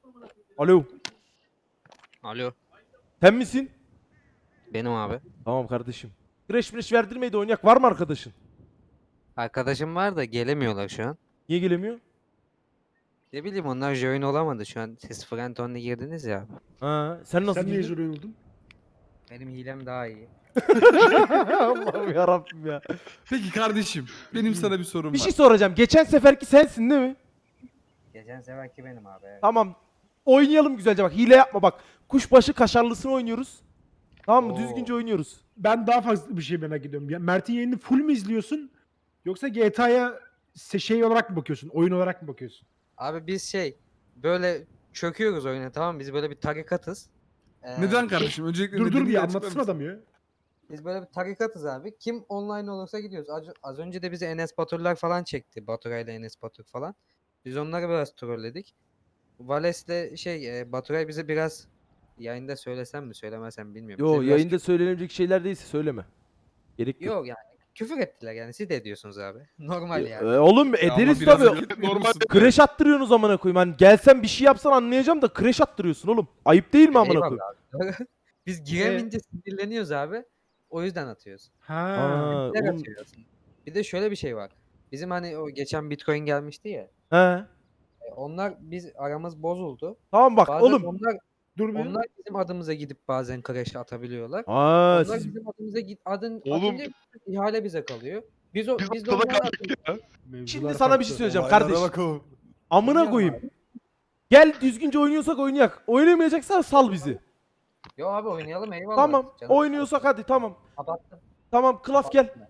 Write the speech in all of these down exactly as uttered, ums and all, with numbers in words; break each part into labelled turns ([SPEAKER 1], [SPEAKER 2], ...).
[SPEAKER 1] Alo.
[SPEAKER 2] Alo.
[SPEAKER 1] Sen misin?
[SPEAKER 2] Benim abi.
[SPEAKER 1] Tamam kardeşim. Crash Crash verdirmeyi de oynayak. Var mı arkadaşın?
[SPEAKER 2] Arkadaşım var da gelemiyorlar şu an.
[SPEAKER 1] Niye gelemiyor?
[SPEAKER 2] Ne bileyim onlar join olamadı şu an. Siz friend only girdiniz ya abi.
[SPEAKER 1] Ha, sen nasıl
[SPEAKER 3] Sen niye
[SPEAKER 1] girdin?
[SPEAKER 3] zorun oldun?
[SPEAKER 2] Benim hilem daha iyi.
[SPEAKER 1] Allah'ım yarabbim ya.
[SPEAKER 4] Peki kardeşim, benim sana bir sorum
[SPEAKER 1] Bir
[SPEAKER 4] var.
[SPEAKER 1] şey soracağım. Geçen seferki sensin değil mi?
[SPEAKER 2] Geçen seferki benim abi. Evet.
[SPEAKER 1] Tamam. Oynayalım güzelce bak. Hile yapma bak. Kuşbaşı kaşarlısını oynuyoruz. Tamam mı?
[SPEAKER 2] Oo.
[SPEAKER 1] Düzgünce oynuyoruz.
[SPEAKER 3] Ben daha fazla bir şey merak ediyorum. Ya Mert'in yayını full mü izliyorsun? Yoksa G T A'ya şey olarak mı bakıyorsun? Oyun olarak mı bakıyorsun?
[SPEAKER 2] Abi biz şey böyle çöküyoruz oyuna, tamam mı? Biz böyle bir tarikatız. Ee,
[SPEAKER 4] Neden kardeşim? Öncelikle
[SPEAKER 3] Dur dur
[SPEAKER 4] nedenini
[SPEAKER 3] bir
[SPEAKER 4] açıklar
[SPEAKER 3] anlatsın
[SPEAKER 4] mısın?
[SPEAKER 3] adam ya.
[SPEAKER 2] Biz böyle bir tarikatız abi. Kim online olursa gidiyoruz. Az, az önce de bize Enes Baturlar falan çekti. Baturay ile Enes Batur falan. Biz onları biraz trolledik. Vales'le şey e, Baturay bize biraz yayında söylesem mi söylemesem bilmiyorum.
[SPEAKER 1] Yo
[SPEAKER 2] Bize biraz
[SPEAKER 1] yayında söylenecek şeyler değilse söyleme. Gerek yok.
[SPEAKER 2] Yok yani küfür ettiler yani, siz de ediyorsunuz abi. Normal
[SPEAKER 1] E,
[SPEAKER 2] yani.
[SPEAKER 1] e, oğlum
[SPEAKER 4] Ya ama
[SPEAKER 1] ederiz
[SPEAKER 4] biraz
[SPEAKER 1] tabii.
[SPEAKER 4] önce-
[SPEAKER 5] Normal
[SPEAKER 1] Crash attırıyorsunuz amına koyayım. Hani gelsen bir şey yapsan anlayacağım da crash attırıyorsun oğlum. Ayıp değil mi amına
[SPEAKER 2] Eyvallah
[SPEAKER 1] koyayım?
[SPEAKER 2] abi. Biz giremeyince sinirleniyoruz abi. O yüzden atıyoruz.
[SPEAKER 3] Ha.
[SPEAKER 1] Aa,
[SPEAKER 2] Bizler
[SPEAKER 1] oğlum.
[SPEAKER 2] atıyoruz. Bir de şöyle bir şey var. Bizim hani o geçen Bitcoin gelmişti ya.
[SPEAKER 1] He.
[SPEAKER 2] e, Onlar biz aramız bozuldu.
[SPEAKER 1] Tamam bak
[SPEAKER 2] Bazen
[SPEAKER 1] oğlum.
[SPEAKER 2] onlar
[SPEAKER 3] Dur bir.
[SPEAKER 2] onlar bizim adımıza gidip bazen crash atabiliyorlar.
[SPEAKER 1] Aa,
[SPEAKER 2] Onlar
[SPEAKER 1] siz
[SPEAKER 2] bizim adımıza git adın
[SPEAKER 5] Oğlum.
[SPEAKER 2] atınca ihale bize kalıyor. Biz o
[SPEAKER 5] Biz
[SPEAKER 2] biz de
[SPEAKER 5] ortada
[SPEAKER 2] onlara
[SPEAKER 5] kaldık ya.
[SPEAKER 3] Mevzular
[SPEAKER 1] şimdi sana bir
[SPEAKER 3] farklı.
[SPEAKER 1] şey söyleyeceğim
[SPEAKER 4] Olaylara
[SPEAKER 1] kardeş.
[SPEAKER 4] bak o.
[SPEAKER 1] Amına
[SPEAKER 2] Biliyorum
[SPEAKER 1] koyayım. Gel düzgünce oynuyorsak oynayak. Oynamayacaksan sal bizi.
[SPEAKER 2] Yo abi oynayalım, eyvallah.
[SPEAKER 1] Tamam.
[SPEAKER 2] Canım
[SPEAKER 1] Oynuyorsak hadi tamam.
[SPEAKER 2] kapattım.
[SPEAKER 1] Tamam Klaf gel.
[SPEAKER 2] kapattım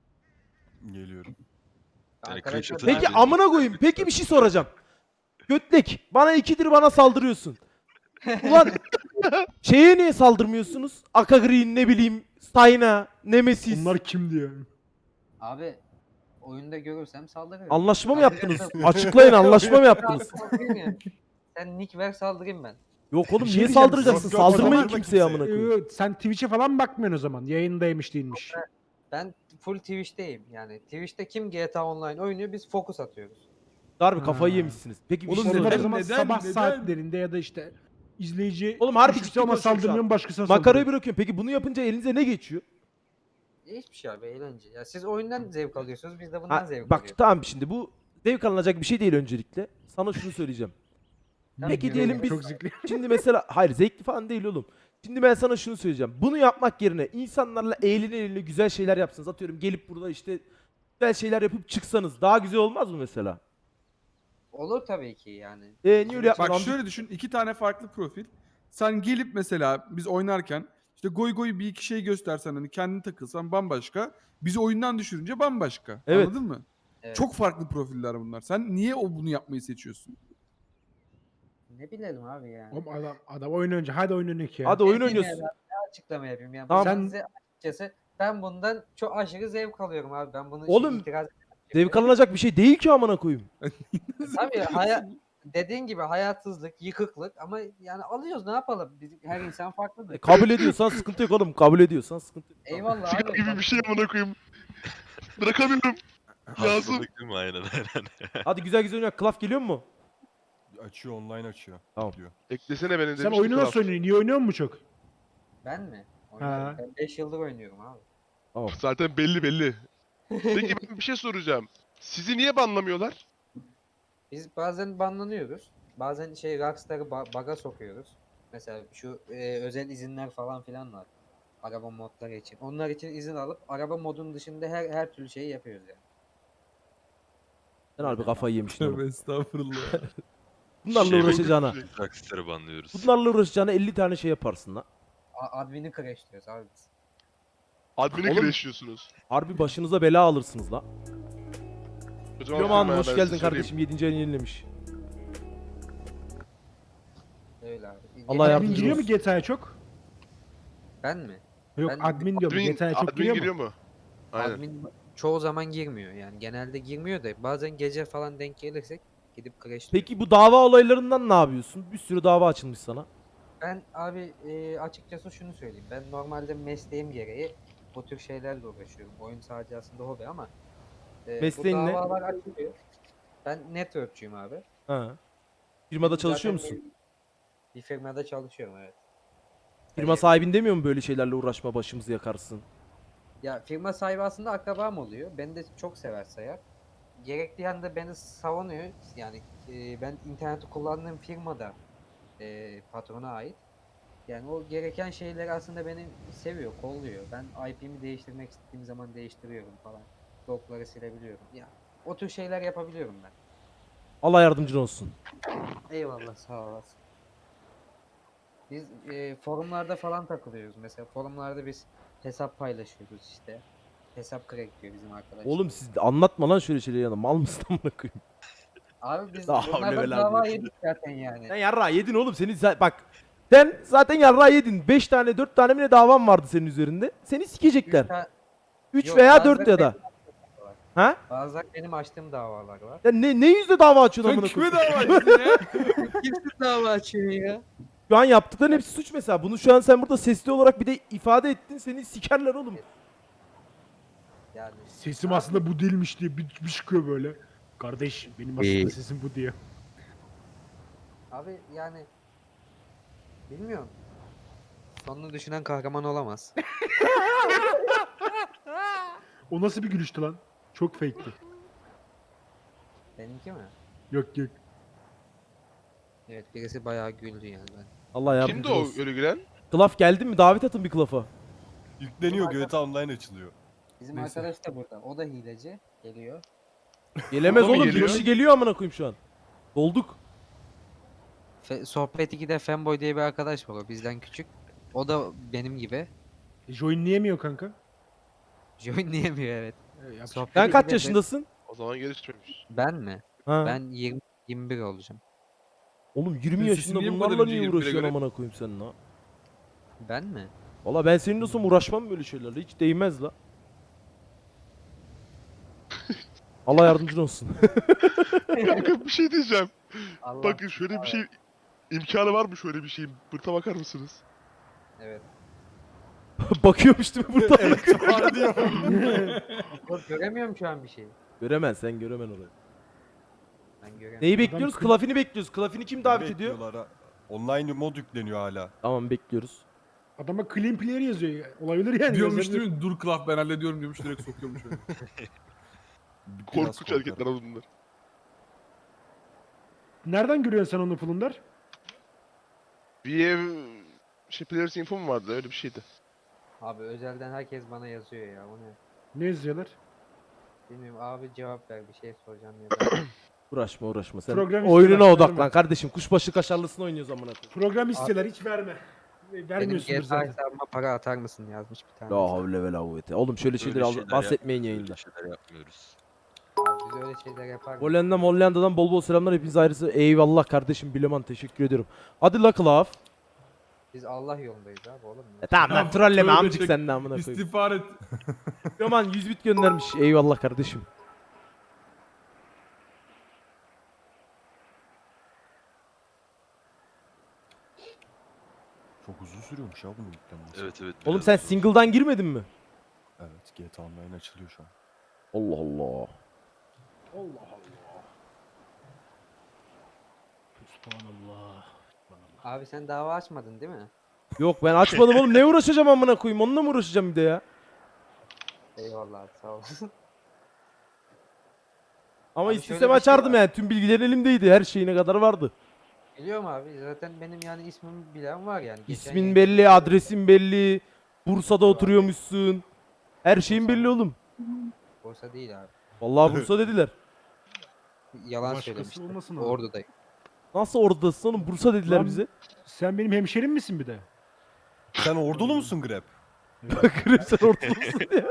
[SPEAKER 2] ben.
[SPEAKER 4] Geliyorum.
[SPEAKER 5] Yani
[SPEAKER 2] Arkadaşlar
[SPEAKER 5] crash
[SPEAKER 2] ben-
[SPEAKER 1] Peki amına koyayım. Peki bir şey soracağım. Götlek. Bana ikidir bana saldırıyorsun. Ulan şeye niye saldırmıyorsunuz? Aka Green ne bileyim. Stayna. Nemesis.
[SPEAKER 3] Bunlar kimdi ya?
[SPEAKER 2] Abi oyunda görürsem saldırırım.
[SPEAKER 1] Anlaşma mı yaptınız? Açıklayın, anlaşma mı yaptınız?
[SPEAKER 2] Saldırayım yani. Sen nick ver saldırayım ben.
[SPEAKER 1] Yok oğlum
[SPEAKER 3] Bir şey
[SPEAKER 1] niye
[SPEAKER 3] diyeceğim,
[SPEAKER 1] saldıracaksın?
[SPEAKER 4] yok, yok,
[SPEAKER 1] Saldırmayın
[SPEAKER 4] saldırma
[SPEAKER 1] kimseye
[SPEAKER 4] kimseye.
[SPEAKER 1] amına koyayım.
[SPEAKER 3] Ee, Sen Twitch'e falan bakmıyorsun o zaman. Yayındaymış değilmiş.
[SPEAKER 2] Ben full Twitch'teyim yani. Twitch'te kim G T A Online oynuyor, biz focus atıyoruz.
[SPEAKER 1] Harbi kafayı
[SPEAKER 3] Ha.
[SPEAKER 1] yemişsiniz. Peki bir
[SPEAKER 4] Oğlum
[SPEAKER 1] şey
[SPEAKER 3] Onlar o
[SPEAKER 1] soracağım.
[SPEAKER 3] zaman
[SPEAKER 4] neden,
[SPEAKER 3] sabah
[SPEAKER 4] neden?
[SPEAKER 3] saatlerinde ya da işte izleyici
[SPEAKER 1] Oğlum harbi
[SPEAKER 3] üşütse
[SPEAKER 1] ciddi
[SPEAKER 3] ama
[SPEAKER 1] konuşuyorum şu an.
[SPEAKER 3] saldırmıyorum başkasına
[SPEAKER 1] Makarayı
[SPEAKER 3] saldırıyor.
[SPEAKER 1] bırakıyorum. Peki bunu yapınca elinize ne geçiyor?
[SPEAKER 2] Hiçbir şey abi, eğlence. Ya siz oyundan zevk alıyorsunuz, biz de bundan
[SPEAKER 1] Ha,
[SPEAKER 2] zevk
[SPEAKER 1] bak
[SPEAKER 2] alıyoruz.
[SPEAKER 1] tamam şimdi bu zevk alınacak bir şey değil öncelikle. Sana şunu söyleyeceğim. Peki
[SPEAKER 3] Ne
[SPEAKER 1] diyelim
[SPEAKER 3] diyor?
[SPEAKER 1] biz-
[SPEAKER 3] Çok zevkli.
[SPEAKER 1] Şimdi mesela hayır zevkli falan değil oğlum. Şimdi ben sana şunu söyleyeceğim. Bunu yapmak yerine insanlarla eğlene eğlene güzel şeyler yapsanız, atıyorum gelip burada işte güzel şeyler yapıp çıksanız daha güzel olmaz mı mesela?
[SPEAKER 2] Olur tabii ki yani.
[SPEAKER 1] E niye öyle
[SPEAKER 4] Bak
[SPEAKER 1] yapmadın?
[SPEAKER 4] şöyle düşün, iki tane farklı profil. Sen gelip mesela biz oynarken işte goy goy bir iki şey göstersen, hani kendini takılsan bambaşka. Bizi oyundan düşürünce bambaşka.
[SPEAKER 1] Evet.
[SPEAKER 4] Anladın mı?
[SPEAKER 2] Evet.
[SPEAKER 4] Çok farklı profiller bunlar. Sen niye o bunu yapmayı seçiyorsun?
[SPEAKER 2] Ne bilelim abi yani.
[SPEAKER 3] Oğlum adam, adam oyun önce. Hadi oyun önce ya.
[SPEAKER 1] Hadi oyun
[SPEAKER 2] Ne diyeyim
[SPEAKER 1] oynuyorsun.
[SPEAKER 2] ya, ben ne açıklama yapayım yani.
[SPEAKER 1] Tamam.
[SPEAKER 2] Ben
[SPEAKER 3] Sen-
[SPEAKER 2] size açıkçası ben bundan çok aşırı zevk alıyorum abi. Ben bunu
[SPEAKER 1] Oğlum,
[SPEAKER 2] şey, itiraz
[SPEAKER 1] Zevk alınacak bir şey değil ki amına koyayım.
[SPEAKER 2] Tabii hayat dediğin gibi hayatsızlık, yıkıklık ama yani alıyoruz, ne yapalım? Biz, her insan farklıdır.
[SPEAKER 1] E, kabul ediyorsan sıkıntı yok oğlum. Kabul ediyorsan sıkıntı yok.
[SPEAKER 2] Eyvallah
[SPEAKER 5] Sigara
[SPEAKER 2] abi.
[SPEAKER 5] gibi bir şey amına koyayım. Bırakamıyorum. Lazım.
[SPEAKER 6] Hastalık değil mi? Aynen aynen.
[SPEAKER 1] Hadi güzel güzel oynayak. Klaf geliyor mu?
[SPEAKER 7] Açıyor, online açıyor.
[SPEAKER 1] Tamam.
[SPEAKER 7] Diyor.
[SPEAKER 5] Eklesene beni
[SPEAKER 3] Sen
[SPEAKER 5] demişti
[SPEAKER 3] oyunu
[SPEAKER 5] Kral.
[SPEAKER 3] nasıl oynuyorsun? İyi oynuyor musun çok?
[SPEAKER 2] Ben mi? Oynarım.
[SPEAKER 3] Ha.
[SPEAKER 2] Ben beş yıldır oynuyorum abi.
[SPEAKER 5] Zaten belli belli. Peki ben bir şey soracağım. Sizi niye banlamıyorlar?
[SPEAKER 2] Biz bazen banlanıyoruz. Bazen şey Rockstar'ı ba- bug'a sokuyoruz. Mesela şu e, özel izinler falan filan var. Araba modları için. Onlar için izin alıp araba modunun dışında her her türlü şeyi yapıyoruz yani.
[SPEAKER 1] Sen harbi kafayı yemişsin oğlum.
[SPEAKER 4] Tövbe estağfurullah.
[SPEAKER 1] Bunlarla
[SPEAKER 6] Şey
[SPEAKER 1] uğraşacağına.
[SPEAKER 6] Rockstar'ı banlıyoruz.
[SPEAKER 1] Bunlarla uğraşacağına elli tane şey yaparsın lan.
[SPEAKER 2] A- admin'i crashliyoruz abi biz.
[SPEAKER 5] Admin'i
[SPEAKER 1] Oğlum-
[SPEAKER 5] crashliyorsunuz.
[SPEAKER 1] Harbi başınıza bela alırsınız la.
[SPEAKER 5] O zaman
[SPEAKER 1] Yoman
[SPEAKER 5] firmaya
[SPEAKER 1] hoş
[SPEAKER 5] ben
[SPEAKER 1] geldin
[SPEAKER 5] size
[SPEAKER 1] kardeşim. yedinci ayını yenilemiş.
[SPEAKER 2] Öyle abi.
[SPEAKER 1] Allah
[SPEAKER 2] Geçen-
[SPEAKER 1] yardımcın
[SPEAKER 3] Admin giriyor mu
[SPEAKER 1] olsun.
[SPEAKER 3] G T A'ya çok?
[SPEAKER 2] Ben mi?
[SPEAKER 3] Yok
[SPEAKER 2] Ben-
[SPEAKER 3] admin diyorum.
[SPEAKER 5] Admin,
[SPEAKER 3] G T A'ya çok
[SPEAKER 5] admin
[SPEAKER 3] giriyor,
[SPEAKER 5] giriyor
[SPEAKER 3] mu?
[SPEAKER 5] mu? Aynen.
[SPEAKER 2] Admin çoğu zaman girmiyor yani. Genelde girmiyor da bazen gece falan denk gelirsek gidip crashliyoruz.
[SPEAKER 1] Peki bu dava olaylarından ne yapıyorsun? Bir sürü dava açılmış sana.
[SPEAKER 2] Ben abi e, açıkçası şunu söyleyeyim. Ben normalde mesleğim gereği bu tür şeylerle uğraşıyorum. Oyun sadece aslında hobi ama e,
[SPEAKER 1] Mesleğin
[SPEAKER 2] bu
[SPEAKER 1] ne?
[SPEAKER 2] davalar açılıyor. Ben networkçuyum abi.
[SPEAKER 1] Ha. Firmada çalışıyor
[SPEAKER 2] Zaten
[SPEAKER 1] musun?
[SPEAKER 2] Bir firmada çalışıyorum, evet.
[SPEAKER 1] Firma sahibin demiyor mu böyle şeylerle uğraşma başımızı yakarsın?
[SPEAKER 2] Ya firma sahibi aslında akrabam oluyor. Beni de çok sever sayar. Gerektiği anda beni savunuyor. Yani e, ben interneti kullandığım firmada e, patrona ait. Yani o gereken şeyleri aslında beni seviyor, kolluyor. Ben I P'mi değiştirmek istediğim zaman değiştiriyorum falan. Logları silebiliyorum. Ya o tür şeyler yapabiliyorum ben.
[SPEAKER 1] Allah yardımcın olsun.
[SPEAKER 2] Eyvallah, sağ olasın. Biz e, forumlarda falan takılıyoruz. Mesela forumlarda biz hesap paylaşıyoruz işte. Hesap crack diyor bizim arkadaşlar.
[SPEAKER 1] Oğlum siz de anlatma lan şöyle şeyleri yana. Mal mısın amına koyayım?
[SPEAKER 2] Abi biz
[SPEAKER 1] Daha havle
[SPEAKER 2] bunlardan
[SPEAKER 1] ve
[SPEAKER 2] dava
[SPEAKER 1] la
[SPEAKER 2] yedik zaten yani.
[SPEAKER 1] Sen yarra yedin oğlum. Seni za- bak. Sen zaten yarra yedin. beş tane dört tane mi ne davan vardı senin üzerinde. Seni
[SPEAKER 2] Üç
[SPEAKER 1] sikecekler.
[SPEAKER 2] ta-
[SPEAKER 1] üç
[SPEAKER 2] Yok,
[SPEAKER 1] veya
[SPEAKER 2] bazıları
[SPEAKER 1] dört ya da.
[SPEAKER 2] benim açtığım var.
[SPEAKER 1] Ha?
[SPEAKER 2] Bazıları benim açtığım davalar var.
[SPEAKER 1] Ya ne, ne yüzde dava açıyorsun
[SPEAKER 4] Sen
[SPEAKER 1] amına
[SPEAKER 4] kime
[SPEAKER 1] koyayım?
[SPEAKER 4] dava açtın ya?
[SPEAKER 2] Kimse dava açıyor ya.
[SPEAKER 1] Şu an yaptıkların hepsi suç mesela. Bunu şu an sen burada sesli olarak bir de ifade ettin. Seni sikerler oğlum.
[SPEAKER 2] Yani
[SPEAKER 3] Sesim aslında bu değilmiş diye bir, bir çıkıyor böyle. Kardeş benim aslında
[SPEAKER 2] İyi.
[SPEAKER 3] sesim bu diye.
[SPEAKER 2] abi yani bilmiyorum. Sonunu düşünen kahraman olamaz.
[SPEAKER 3] O nasıl bir gülüştü lan? Çok fake'ti.
[SPEAKER 2] Benimki mi?
[SPEAKER 3] Yok yok.
[SPEAKER 2] Evet, birisi bayağı güldü yani ben.
[SPEAKER 1] Allah
[SPEAKER 5] Kimdi
[SPEAKER 1] yardımcın
[SPEAKER 5] o
[SPEAKER 1] olsun.
[SPEAKER 5] öyle gülen?
[SPEAKER 1] Klaf geldin mi? Davet atın bir Klaf'a.
[SPEAKER 7] Yükleniyor G T A Online açılıyor.
[SPEAKER 2] Bizim
[SPEAKER 3] Neyse.
[SPEAKER 2] arkadaş da burada. O da hileci. Geliyor.
[SPEAKER 1] Gelemez
[SPEAKER 5] O da mı
[SPEAKER 1] oğlum. Bir
[SPEAKER 5] geliyor?
[SPEAKER 1] kişi geliyor amına koyayım şu an. Dolduk.
[SPEAKER 2] Fe, Sohbet ikide Fanboy diye bir arkadaş var, o bizden küçük. O da benim gibi.
[SPEAKER 3] E, joinleyemiyor kanka.
[SPEAKER 2] Joinleyemiyor, evet.
[SPEAKER 3] E, yapacak
[SPEAKER 2] Sohbet
[SPEAKER 1] Sen
[SPEAKER 3] bir şey
[SPEAKER 1] kaç
[SPEAKER 2] ikide
[SPEAKER 1] yaşındasın?
[SPEAKER 5] O zaman gelişmemiş.
[SPEAKER 2] Ben mi?
[SPEAKER 1] Ha.
[SPEAKER 2] Ben yirmi yirmi bir olacağım.
[SPEAKER 1] Oğlum yirmi
[SPEAKER 4] Senin
[SPEAKER 1] yaşında
[SPEAKER 4] sesin niye bu
[SPEAKER 1] bunlarla
[SPEAKER 4] kadar
[SPEAKER 1] niye
[SPEAKER 4] ince yirmi bire
[SPEAKER 1] uğraşıyorsun
[SPEAKER 4] göre?
[SPEAKER 1] amına koyayım sen la?
[SPEAKER 2] Ben mi?
[SPEAKER 1] Valla ben senin olsam uğraşmam böyle şeylerle. Hiç değmez la. Allah yardımcın olsun.
[SPEAKER 5] Kanka bir şey diyeceğim.
[SPEAKER 2] Allah.
[SPEAKER 5] Bakın şöyle bir şey imkanı var mı şöyle bir şeyin? Bırta bakar mısınız?
[SPEAKER 2] Evet.
[SPEAKER 1] Bakıyormuş değil mi burada?
[SPEAKER 7] Var diyor.
[SPEAKER 2] Yok, göremiyorum şu an bir şey.
[SPEAKER 1] Göremez sen göremen orayı.
[SPEAKER 2] Ben göremiyorum.
[SPEAKER 1] Neyi bekliyoruz?
[SPEAKER 3] kıl-
[SPEAKER 1] Klafini bekliyoruz. Klafini kim davet ediyor?
[SPEAKER 7] Bekliyorlar ha. Online mod yükleniyor hala.
[SPEAKER 1] Tamam bekliyoruz.
[SPEAKER 3] Adama clean player yazıyor. Olabilir yani.
[SPEAKER 4] Diyormuş
[SPEAKER 3] yazabilir.
[SPEAKER 4] değil mi? Dur Klaf ben hallediyorum diyormuş, direkt sokuyormuş öyle.
[SPEAKER 7] Biraz
[SPEAKER 5] Korkunç
[SPEAKER 7] korkar.
[SPEAKER 5] hareketler abi bunlar.
[SPEAKER 3] Nereden görüyorsun sen onu Fulundar?
[SPEAKER 5] Bir ev şey Players Info mu vardı öyle bir şeydi.
[SPEAKER 2] Abi özelden herkes bana yazıyor ya. O ne?
[SPEAKER 3] Ne yazıyorlar?
[SPEAKER 2] Bilmiyorum abi, cevap ver, bir şey soracağım ya da.
[SPEAKER 1] Uğraşma uğraşma sen.
[SPEAKER 3] Program
[SPEAKER 1] Oyununa
[SPEAKER 3] istiyorlar,
[SPEAKER 1] odaklan
[SPEAKER 3] verme.
[SPEAKER 1] kardeşim. Kuşbaşı kaşarlısını oynuyoruz amına koyayım.
[SPEAKER 3] Program istiyorlar hiç verme. E,
[SPEAKER 2] Benim
[SPEAKER 3] Vermiyorsundur
[SPEAKER 2] G T A
[SPEAKER 3] zaten.
[SPEAKER 2] hesabıma para atar mısın yazmış bir tane.
[SPEAKER 1] La havle ve la kuvvete. Oğlum şöyle
[SPEAKER 6] Böyle
[SPEAKER 1] şeyleri al-
[SPEAKER 6] şeyler
[SPEAKER 1] bahsetmeyin
[SPEAKER 6] yapmıyoruz,
[SPEAKER 1] yayında.
[SPEAKER 6] böyle şeyler yapmıyoruz.
[SPEAKER 2] Abi biz öyle şeyler yapar mıyız?
[SPEAKER 1] Hollanda Hollanda'dan bol bol selamlar. Hepinize ayrısı eyvallah kardeşim Bileman teşekkür ediyorum. Hadi la Klaf.
[SPEAKER 2] Biz Allah yolundayız abi oğlum.
[SPEAKER 1] E tamam lan
[SPEAKER 4] Ya,
[SPEAKER 1] trolleme
[SPEAKER 4] tövbe
[SPEAKER 1] amcık
[SPEAKER 4] çek.
[SPEAKER 1] sen de amına koyayım.
[SPEAKER 4] İstiğfar et.
[SPEAKER 1] Bileman yüz bit göndermiş. Eyvallah kardeşim.
[SPEAKER 7] Çok uzun sürüyormuş ya bunun yüklenmesi.
[SPEAKER 6] Evet evet.
[SPEAKER 1] Oğlum
[SPEAKER 6] biraz
[SPEAKER 1] sen
[SPEAKER 6] zor.
[SPEAKER 1] single'dan girmedin mi?
[SPEAKER 7] Evet G T A Online açılıyor şu an.
[SPEAKER 1] Allah Allah.
[SPEAKER 3] Allah Allah. Subhanallah.
[SPEAKER 2] Abi sen dava açmadın değil mi?
[SPEAKER 1] Yok ben açmadım oğlum. Ne uğraşacağım amına koyayım? Onunla mı uğraşacağım bir de ya?
[SPEAKER 2] Eyvallah abi, sağ olasın.
[SPEAKER 1] Ama
[SPEAKER 2] Abi
[SPEAKER 1] istesem
[SPEAKER 2] şöyle bir şey
[SPEAKER 1] açardım
[SPEAKER 2] var.
[SPEAKER 1] yani. Tüm bilgilerin elimdeydi. Her şeyine kadar vardı.
[SPEAKER 2] Biliyorum abi, zaten benim yani ismimi bilen var yani. Geçen
[SPEAKER 1] İsmin
[SPEAKER 2] yayında
[SPEAKER 1] belli,
[SPEAKER 2] söyledim.
[SPEAKER 1] adresin belli. Bursa'da oturuyormuşsun. Her şeyin belli oğlum.
[SPEAKER 2] Borsa değil abi.
[SPEAKER 1] Vallahi Bursa dediler.
[SPEAKER 2] Yalan
[SPEAKER 3] Başkası
[SPEAKER 2] söylemiştim.
[SPEAKER 3] olmasın abi.
[SPEAKER 2] Oradayım.
[SPEAKER 1] Nasıl oradasın oğlum? Bursa dediler
[SPEAKER 3] Lan-
[SPEAKER 1] bize.
[SPEAKER 3] Sen benim hemşerim misin bir de?
[SPEAKER 7] Sen ordulu musun Grab?
[SPEAKER 1] Grip sen ortada mısın ya?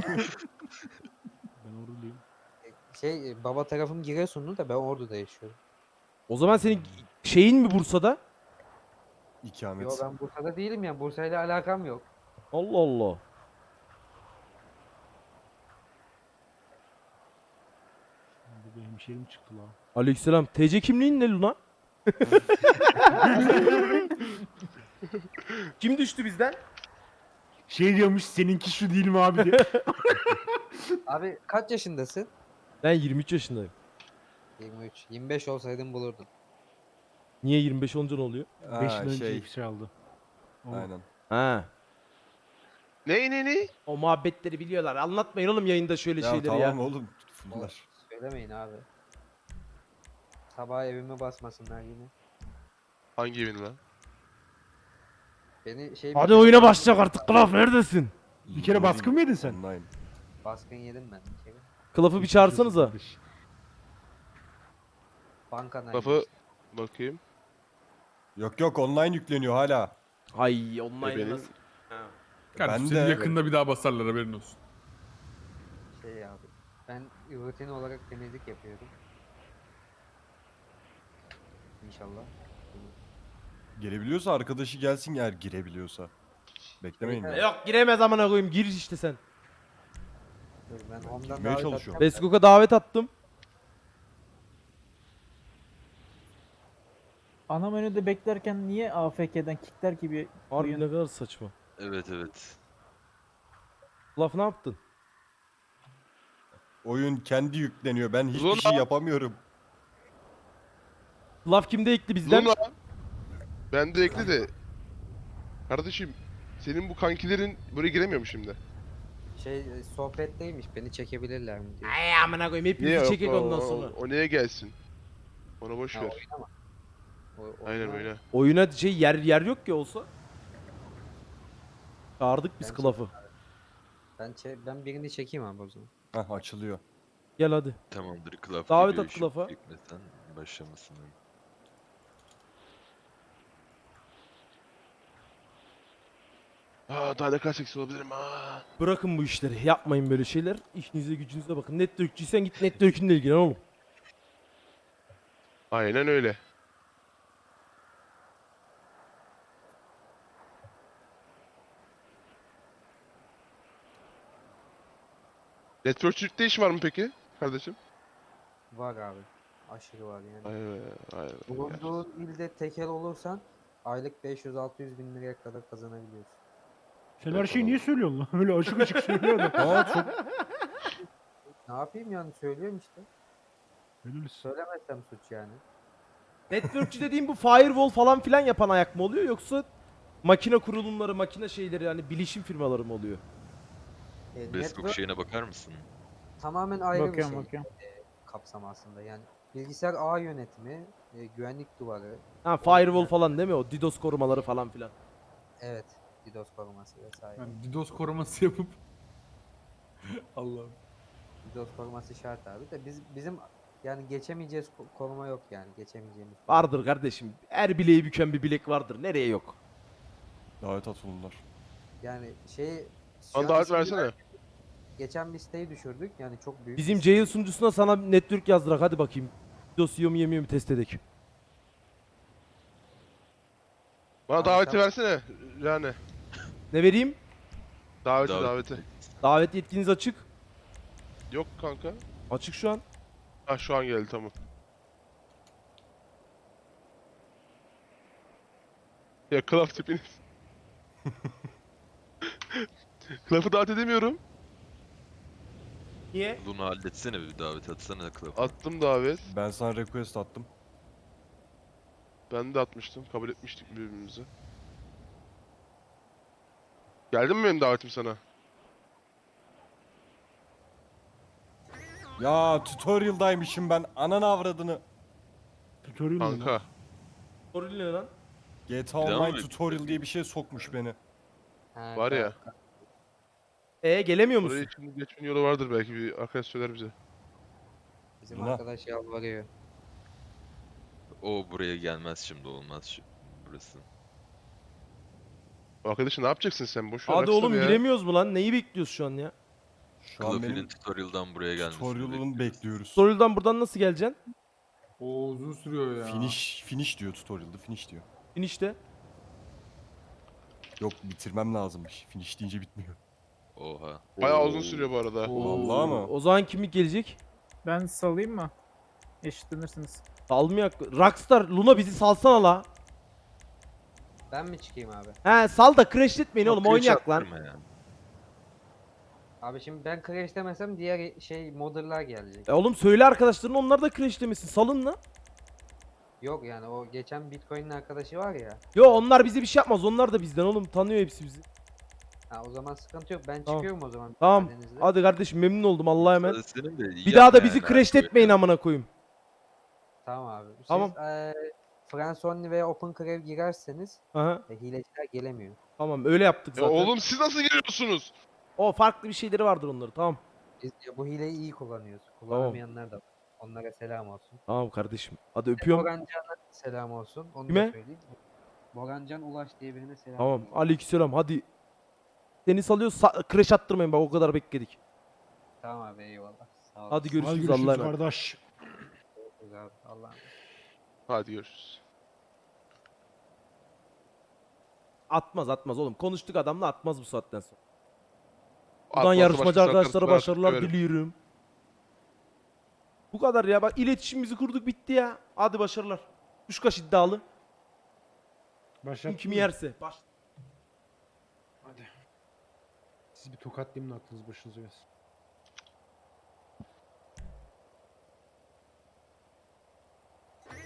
[SPEAKER 3] Ben orduluyum.
[SPEAKER 2] Şey e, baba tarafım Giresunlu da ben Ordu'da yaşıyorum.
[SPEAKER 1] O zaman senin şeyin mi Bursa'da?
[SPEAKER 7] İkamet.
[SPEAKER 2] Yo, ben Bursa'da değilim ya. Bursa'yla alakam yok.
[SPEAKER 1] Allah Allah.
[SPEAKER 3] Bu bir hemşerim çıktı lan.
[SPEAKER 1] Aleykümselam. T C kimliğin ne Luna? Kim düştü bizden?
[SPEAKER 3] Şey diyormuş seninki şu değil mi abi diye.
[SPEAKER 2] Abi kaç yaşındasın?
[SPEAKER 1] Ben yirmi üç yaşındayım.
[SPEAKER 2] yirmi üç. yirmi beş olsaydın bulurdun.
[SPEAKER 1] Niye yirmi beş olunca ne oluyor?
[SPEAKER 3] beş
[SPEAKER 7] Ha,
[SPEAKER 3] yıl önce
[SPEAKER 7] şey.
[SPEAKER 3] şey aldı. O-
[SPEAKER 7] Aynen.
[SPEAKER 1] Ha.
[SPEAKER 5] Ne ne ne?
[SPEAKER 1] O muhabbetleri biliyorlar. Anlatmayın oğlum yayında şöyle
[SPEAKER 7] Ya
[SPEAKER 1] şeyleri
[SPEAKER 7] tamam
[SPEAKER 1] ya.
[SPEAKER 7] oğlum.
[SPEAKER 2] O-
[SPEAKER 7] Bunlar.
[SPEAKER 2] Söylemeyin abi. Sabah evime basmasınlar yine.
[SPEAKER 5] Hangi evin lan?
[SPEAKER 2] Beni şey
[SPEAKER 1] Hadi oyuna başlayacak artık. Klaf neredesin?
[SPEAKER 3] Bir kere baskın mı yedin sen?
[SPEAKER 7] Online.
[SPEAKER 2] baskın yedim ben bir kere.
[SPEAKER 1] Klaf'ı bir çağırsanıza.
[SPEAKER 3] Kardeş.
[SPEAKER 2] Banka
[SPEAKER 5] Lafı bakayım.
[SPEAKER 7] Yok yok online yükleniyor hala.
[SPEAKER 1] Ay
[SPEAKER 5] E
[SPEAKER 1] online
[SPEAKER 5] benim-
[SPEAKER 1] nasıl? Ha.
[SPEAKER 4] Kardeşim
[SPEAKER 7] Ben
[SPEAKER 4] seni
[SPEAKER 7] de-
[SPEAKER 4] yakında bir daha basarlar haberin olsun.
[SPEAKER 2] şey abi. Ben rutin olarak temizlik yapıyorum. İnşallah.
[SPEAKER 7] Girebiliyorsa arkadaşı gelsin eğer girebiliyorsa. Beklemeyin
[SPEAKER 2] Evet.
[SPEAKER 1] E
[SPEAKER 7] ya.
[SPEAKER 1] Yok giremez amına koyayım. Gir işte sen.
[SPEAKER 2] Dur ben ondan
[SPEAKER 7] girmeye
[SPEAKER 2] davet
[SPEAKER 7] çalışıyorum.
[SPEAKER 2] atacağım da.
[SPEAKER 1] Beskok'a davet attım.
[SPEAKER 8] Ana menüde beklerken niye A F K'den kickler gibi
[SPEAKER 1] Harbi
[SPEAKER 8] oyun-
[SPEAKER 1] ne kadar saçma.
[SPEAKER 6] Evet evet.
[SPEAKER 1] Klaf ne yaptın?
[SPEAKER 7] Oyun kendi yükleniyor. Ben hiçbir
[SPEAKER 5] Luna.
[SPEAKER 7] şey yapamıyorum.
[SPEAKER 1] Klaf kimde ekli bizden?
[SPEAKER 5] Luna. Ben de ekle de. Kardeşim senin bu kankilerin buraya giremiyor mu şimdi?
[SPEAKER 2] Şey e, sohbetteymiş beni çekebilirler mi diyor.
[SPEAKER 1] Ay amına koyayım hepimizi
[SPEAKER 5] yok,
[SPEAKER 1] çekek
[SPEAKER 5] o-
[SPEAKER 1] ondan
[SPEAKER 5] o-
[SPEAKER 1] sonra.
[SPEAKER 5] O, neye gelsin? Ona boş
[SPEAKER 2] Ha,
[SPEAKER 5] ver.
[SPEAKER 2] oyuna mı? O-
[SPEAKER 5] Aynen
[SPEAKER 2] oyuna-
[SPEAKER 5] oyna.
[SPEAKER 1] Oyuna şey yer yer yok ki olsa. Çağırdık biz
[SPEAKER 2] Bence-
[SPEAKER 1] Klaf'ı.
[SPEAKER 2] Ben çe- ben birini çekeyim abi o zaman.
[SPEAKER 7] Hah açılıyor.
[SPEAKER 1] Gel hadi.
[SPEAKER 6] Tamamdır. Klaf
[SPEAKER 1] Davet
[SPEAKER 6] geliyor,
[SPEAKER 1] at
[SPEAKER 6] şu
[SPEAKER 1] Klaf'a.
[SPEAKER 6] Hükmeten başlamasın.
[SPEAKER 5] Aa daha ne kadar seksi olabilirim ha.
[SPEAKER 1] Bırakın bu işleri. Yapmayın böyle şeyler. İşinize gücünüze bakın. Networkçiysen git network'ünle ilgilen oğlum.
[SPEAKER 5] Aynen öyle. Networkçülükte iş var mı peki kardeşim?
[SPEAKER 2] Var abi. Aşırı var yani.
[SPEAKER 5] Aynen aynen.
[SPEAKER 2] Bulunduğun ilde tekel olursan aylık beş yüz altı yüz bin liraya kadar kazanabiliyorsun.
[SPEAKER 3] Sen her şeyi niye söylüyorsun lan? Öyle açık açık söylüyor adam.
[SPEAKER 7] Aa çok
[SPEAKER 2] Ne yapayım yani söylüyorum işte.
[SPEAKER 3] Helal olsun.
[SPEAKER 2] Söylemezsem suç yani.
[SPEAKER 1] Networkçü dediğim bu firewall falan filan yapan ayak mı oluyor yoksa makine kurulumları, makine şeyleri yani bilişim firmaları mı oluyor?
[SPEAKER 2] E,
[SPEAKER 6] Beskok
[SPEAKER 2] network
[SPEAKER 6] şeyine bakar mısın?
[SPEAKER 2] tamamen ayrı
[SPEAKER 8] Bakıyorum
[SPEAKER 2] bir şey
[SPEAKER 8] bakıyorum.
[SPEAKER 2] kapsam aslında yani. Bilgisayar ağ yönetimi, e, güvenlik duvarı,
[SPEAKER 1] Ha firewall falan değil mi o? DDoS korumaları falan filan.
[SPEAKER 2] evet, DDoS koruması vesaire.
[SPEAKER 4] Yani DDoS koruması yapıp Allah'ım.
[SPEAKER 2] DDoS koruması şart abi de biz bizim yani geçemeyeceğiz ko- koruma yok yani geçemeyeceğimiz.
[SPEAKER 1] Vardır kardeşim. Her bileği büken bir bilek vardır. Nereye yok?
[SPEAKER 7] davet at bunlar.
[SPEAKER 2] Yani şey şu
[SPEAKER 5] Bana
[SPEAKER 2] an
[SPEAKER 5] davet
[SPEAKER 2] ismini
[SPEAKER 5] versene.
[SPEAKER 2] vermedik. Geçen bir siteyi düşürdük yani çok büyük.
[SPEAKER 1] Bizim
[SPEAKER 2] bir site.
[SPEAKER 1] Jail sunucusuna sana network yazdırak hadi bakayım. DDoS yiyor mu yemiyor mu test edek.
[SPEAKER 5] Bana
[SPEAKER 2] Abi
[SPEAKER 5] daveti
[SPEAKER 2] sen-
[SPEAKER 5] versene yani.
[SPEAKER 1] Ne vereyim?
[SPEAKER 5] Daveti
[SPEAKER 6] Davet-
[SPEAKER 5] daveti.
[SPEAKER 1] Davet yetkiniz açık.
[SPEAKER 5] Yok kanka.
[SPEAKER 1] Açık şu an.
[SPEAKER 5] Ha şu an geldi tamam. Ya Klaf tipiniz. Klaf'ı davet edemiyorum.
[SPEAKER 1] Niye?
[SPEAKER 6] Luna halletsene bir davet atsana Klaf.
[SPEAKER 5] Attım davet.
[SPEAKER 7] Ben sana request attım.
[SPEAKER 5] Ben de atmıştım. Kabul etmiştik birbirimizi. Geldi mi benim davetim sana?
[SPEAKER 7] Ya tutorial'daymışım ben. Ananı avradını.
[SPEAKER 3] Tutorial mu lan?
[SPEAKER 5] Kanka.
[SPEAKER 1] Sorun ne lan?
[SPEAKER 7] G T A
[SPEAKER 6] Bir daha mı
[SPEAKER 7] Online
[SPEAKER 6] bir-
[SPEAKER 7] tutorial diye bir şey sokmuş beni.
[SPEAKER 2] Ha,
[SPEAKER 5] Var ya.
[SPEAKER 2] tamam.
[SPEAKER 1] E gelemiyor
[SPEAKER 5] Buraya
[SPEAKER 1] musun?
[SPEAKER 5] için geçmenin yolu vardır belki bir arkadaş söyler bize.
[SPEAKER 2] Bizim
[SPEAKER 7] Luna.
[SPEAKER 2] arkadaş yalvarıyor.
[SPEAKER 6] O buraya gelmez şimdi olmaz şu burası.
[SPEAKER 5] Arkadaşım ne yapacaksın sen? Boş ver.
[SPEAKER 1] Hadi
[SPEAKER 5] baksana
[SPEAKER 1] oğlum
[SPEAKER 5] ya.
[SPEAKER 1] giremiyoruz mu lan? Neyi bekliyoruz şu an ya?
[SPEAKER 7] Şu an
[SPEAKER 6] Klaf'inin
[SPEAKER 7] benim
[SPEAKER 6] tutorial'dan buraya gelmesini
[SPEAKER 7] tutorial'ını
[SPEAKER 6] bekliyoruz.
[SPEAKER 7] bekliyoruz.
[SPEAKER 1] Story'den buradan nasıl geleceksin?
[SPEAKER 4] O uzun sürüyor ya.
[SPEAKER 7] Finish finish diyor tutorial'da finish diyor.
[SPEAKER 1] İnişte.
[SPEAKER 7] Yok bitirmem lazımmış. Finish deyince bitmiyor.
[SPEAKER 6] Oha.
[SPEAKER 5] Bayağı uzun sürüyor bu arada.
[SPEAKER 7] Vallahi mı?
[SPEAKER 1] O zaman kimi gelecek?
[SPEAKER 8] Ben salayım mı? Eşitlenirsiniz.
[SPEAKER 1] Salmayak. Rockstar Luna bizi salsana la.
[SPEAKER 2] Ben mi çıkayım abi?
[SPEAKER 1] He sal da crashletmeyin oğlum
[SPEAKER 6] Yok,
[SPEAKER 1] oynayak lan.
[SPEAKER 6] attırma ya.
[SPEAKER 2] Abi şimdi ben crash demesem diğer şey modderlar gelecek.
[SPEAKER 1] E oğlum söyle arkadaşların onlar da crashlemesin. Salın la.
[SPEAKER 2] Yok yani o geçen Bitcoin'in arkadaşı var ya.
[SPEAKER 1] Yo onlar bize bir şey yapmaz. Onlar da bizden oğlum. Tanıyor hepsi bizi.
[SPEAKER 2] Ha, o zaman sıkıntı yok. Ben
[SPEAKER 1] Tamam.
[SPEAKER 2] çıkıyorum o zaman.
[SPEAKER 1] Tamam.
[SPEAKER 2] müsaadenizle.
[SPEAKER 1] Hadi kardeşim memnun oldum. Allah'a emanet.
[SPEAKER 6] Senin de
[SPEAKER 1] Bir daha da
[SPEAKER 6] yapma
[SPEAKER 1] bizi
[SPEAKER 6] yani,
[SPEAKER 1] crash
[SPEAKER 6] böyle.
[SPEAKER 1] etmeyin amına koyayım.
[SPEAKER 2] Tamam abi. Siz
[SPEAKER 1] Tamam.
[SPEAKER 2] eee France Only veya Open Crave girerseniz
[SPEAKER 1] Aha.
[SPEAKER 2] e, hileciler gelemiyor.
[SPEAKER 1] Tamam öyle yaptık
[SPEAKER 5] Ya
[SPEAKER 1] zaten.
[SPEAKER 5] oğlum siz nasıl geliyorsunuz?
[SPEAKER 1] O farklı bir şeyleri vardır onları. Tamam.
[SPEAKER 2] Biz ya bu hileyi iyi kullanıyoruz. Kullanamayanlar da var. Onlara selam olsun.
[SPEAKER 1] Tamam kardeşim. Hadi öpüyorum.
[SPEAKER 2] Morancan'a selam olsun. Onu
[SPEAKER 1] Kime?
[SPEAKER 2] da söyleyeyim. Morancan Ulaş diye birine selam
[SPEAKER 1] Tamam.
[SPEAKER 2] olsun.
[SPEAKER 1] Aleykümselam. Hadi. Seni salıyoruz. Sa- crash attırmayın bak o kadar bekledik.
[SPEAKER 2] Tamam abi eyvallah. Sağ olun.
[SPEAKER 1] Hadi
[SPEAKER 3] Hadi
[SPEAKER 1] görüşürüz.
[SPEAKER 3] görüşürüz
[SPEAKER 1] Allah'a emanet.
[SPEAKER 3] kardeş.
[SPEAKER 2] Görüşürüz abi. Allah'a emanet.
[SPEAKER 5] Hadi görüşürüz.
[SPEAKER 1] Atmaz atmaz oğlum. Konuştuk adamla atmaz bu saatten sonra. Buradan
[SPEAKER 5] Atmazsa
[SPEAKER 1] yarışmacı
[SPEAKER 5] başkası
[SPEAKER 1] arkadaşlara
[SPEAKER 5] atarsın,
[SPEAKER 1] başarılar
[SPEAKER 5] artık
[SPEAKER 1] diliyorum. Bu kadar ya. Bak iletişimimizi kurduk bitti ya. Hadi başarılar. Kuşkaş iddialı. Kim
[SPEAKER 3] Başlattın
[SPEAKER 1] kimi
[SPEAKER 3] mı?
[SPEAKER 1] yerse. Baş.
[SPEAKER 3] Hadi. Sizi bir tokatlayayım da aklınız başınıza gelsin.